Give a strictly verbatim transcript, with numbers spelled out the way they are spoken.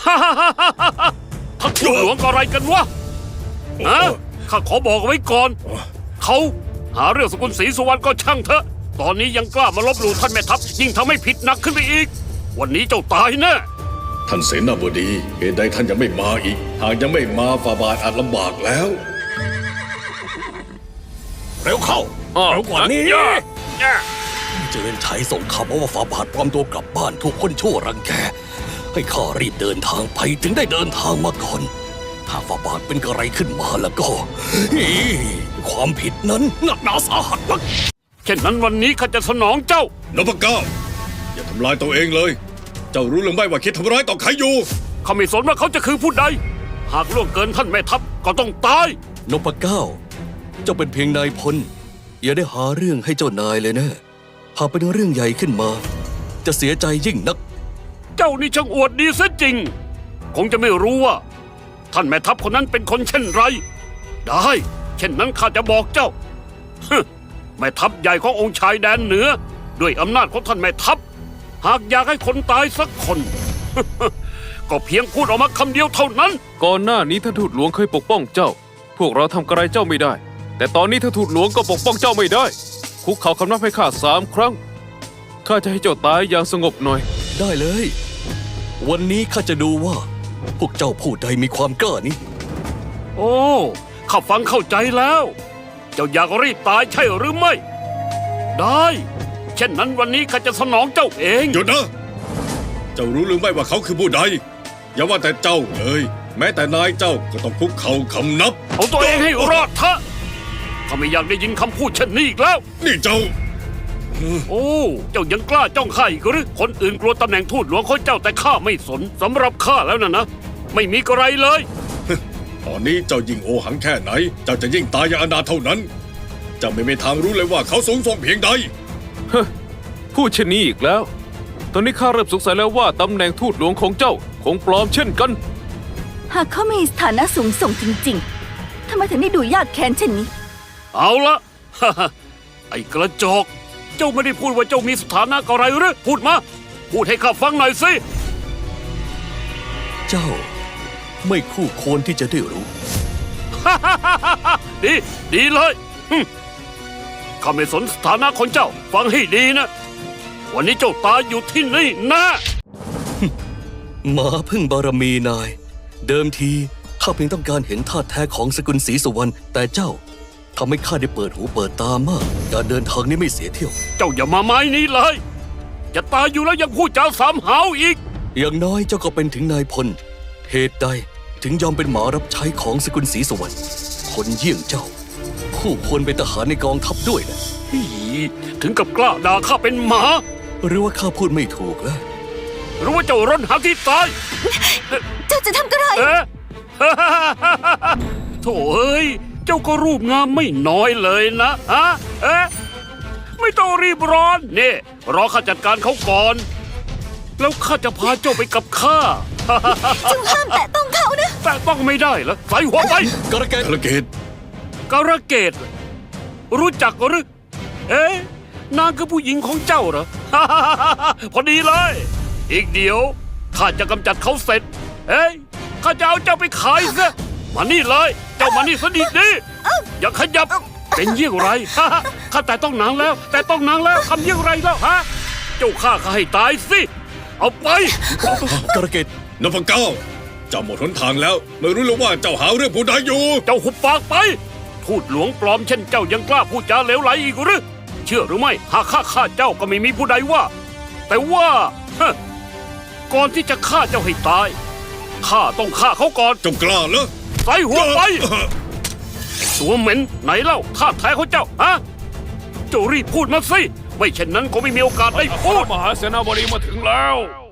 ท่านทูตหลวงอะไรกันวะฮะข้าขอบอกไว้ก่อนเขาหาเรื่องสกุลศรีสุวรรณก็ช่างเถอะตอนนี้ยังกล้ามาลบหลู่ท่านแม่ทัพยิ่งทำให้ผิดหนักขึ้นไปอีกวันนี้เจ้าตายแน่ท่านเสนาบดีเหตุใดท่านยังไม่มาอีกหากยังไม่มาฝ่าบาทอาจลำบากแล้วเร็วเข้าเร็วกว่านี้เจริญชัยส่งข่าวมาว่าฝ่าบาทปลอมตัวกลับบ้านถูกคนชั่วรังแกให้ข้ารีบเดินทางไปถึงได้เดินทางมาก่อนถ้าฝ่าบาทเป็นอะไรขึ้นมาแล้วก็ความผิดนั้นหนักหนาสาหัสนักเช่นนั้นวันนี้ข้าจะสนองเจ้านพเก้าอย่าทำลายตัวเองเลยเจ้ารู้หรือไม่ว่าคิดทำร้ายต่อใครอยู่ข้าไม่สนว่าเขาจะคือผู้ใดหากล่วงเกินท่านแม่ทัพก็ต้องตายนพเก้าเจ้าเป็นเพียงนายพลอย่าได้หาเรื่องให้เจ้านายเลยนะหากเป็นเรื่องใหญ่ขึ้นมาจะเสียใจยิ่งนักเจ้านี่ช่างอวดดีซะจริงคงจะไม่รู้ว่าท่านแม่ทัพคนนั้นเป็นคนเช่นไรได้เช่นนั้นข้าจะบอกเจ้าแม่ทัพใหญ่ขององค์ชายแดนเหนือด้วยอำนาจของท่านแม่ทัพหากอยากให้คนตายสักคน ก็เพียงพูดออกมาคำเดียวเท่านั้นก่อนหน้านี้ท่านทูตหลวงเคยปกป้องเจ้าพวกเราทำกระไรเจ้าไม่ได้แต่ตอนนี้ท่านทูตหลวงก็ปกป้องเจ้าไม่ได้คุกเข่าคำนับให้ข้าสามครั้งข้าจะให้เจ้าตายอย่างสงบหน่อยได้เลยวันนี้ข้าจะดูว่าพวกเจ้าผู้ใดมีความกล้านี้โอ้ข้าฟังเข้าใจแล้วเจ้าอยากรีบตายใช่หรือไม่ได้เช่นนั้นวันนี้ข้าจะสนองเจ้าเองหยุดนะเจ้ารู้หรือไม่ว่าเขาคือผู้ใดอย่าว่าแต่เจ้าเลยแม้แต่นายเจ้าก็ต้องคุกเข่าคำนับเอาตัวเองให้รอดเถอะข้าไม่อยากได้ยินคำพูดเช่นนี้อีกแล้วนี่เจ้าโอ้เจ้ายังกล้าจ้องข้าอีกหรือคนอื่นกลัวตำแหน่งทูตหลวงของเจ้าแต่ข้าไม่สนสำหรับข้าแล้วนะนะไม่มีกระไรเลยตอนนี้เจ้ายิ่งโอหังแค่ไหนเจ้าจะยิ่งตายอย่างอนาถเท่านั้นเจ้าไม่มีทางรู้เลยว่าเขาสูงส่งเพียงใดพูดเช่นนี้อีกแล้วตอนนี้ข้าเริ่มสงสัยแล้วว่าตำแหน่งทูตหลวงของเจ้าคงปลอมเช่นกันหากเขามีสถานะสูงส่งจริงๆทำไมถึงได้ดูยากแค้นเช่นนี้เอาละไอ้กระจอกเจ้าไม่ได้พูดว่าเจ้ามีสถานะอะไรหรือพูดมาพูดให้ข้าฟังหน่อยสิเจ้าไม่คู่ควรที่จะได้รู้ดีดีเลยข้าไม่สนสถานะของเจ้าฟังให้ดีนะวันนี้เจ้าตายอยู่ที่นี่นะหมาพึ่งบารมีนายเดิมทีข้าเพียงต้องการเห็นท่าแท้ของสกุลศรีสุวรรณแต่เจ้าทำให้ข้าได้เปิดหูเปิดตามากการเดินทางนี้ไม่เสียเที่ยวเจ้าอย่ามาไม้นี้เลยจะตายอยู่แล้วยังพูดจาสามหาวอีกอย่างน้อยเจ้าก็เป็นถึงนายพลเหตุใดถึงยอมเป็นหมารับใช้ของสกุลศรีสุวรรณคนเยี่ยงเจ้าคู่ควรเป็นทหารในกองทัพด้วยนะถึงกับกล้าด่าข้าเป็นหมาหรือว่าข้าพูดไม่ถูกแล้วหรือว่าเจ้าร่อนหาที่ตายเจ้าจะทำอะไรเอ๊ะโถ่เอ้ยเจ้าก็รูปงามไม่น้อยเลยนะฮะเอ๊ะไม่ต้องรีบร้อนนี่รอข้าจัดการเขาก่อนแล้วข้าจะพาเจ้าไปกับข้าเจ้าห้ามแตะต้องเขานะแตะต้องไม่ได้เหรอใส่หัวไปกระเกดกระเกดกระเกดรู้จักหรือเอ๊ะนางคือผู้หญิงของเจ้าเหรอพอดีเลยอีกเดี๋ยวข้าจะกำจัดเขาเสร็จเอ้ยข้าจะเอาเจ้าไปขายซะมานี่เลยเจ้ามานี่สนิทดิอย่าขยับเป็นเยี่ยงไรข้าแต่ต้องนางแล้วแต่ต้องนางแล้วทำเยี่ยงไรแล้วฮะเจ้าฆ่าข้าให้ตายสิเอาไปกระเกดนพเก้าเจ้าหมดหนทางแล้วไม่รู้เลยว่าเจ้าหาเรื่องผู้ใดอยู่เจ้าหุบปากไปทูตหลวงปลอมเช่นเจ้ายังกล้าพูดจาเหลวไหลอีกหรือเชื่อหรือไม่หากข้าฆ่าเจ้าก็ไม่มีผู้ใดว่าแต่ว่าก่อนที่จะฆ่าเจ้าให้ตายข้าต้องฆ่าเขาก่อนเจ้ากล้าเหรอใส่หัวไปตัวเหม็นไหนเล่าท่าแท้ของเจ้าฮะเจ้ารีบพูดมาสิไม่เช่นนั้นก็ไม่มีโอกาสให้พูดมหาเสนาบดีมาถึงแล้ว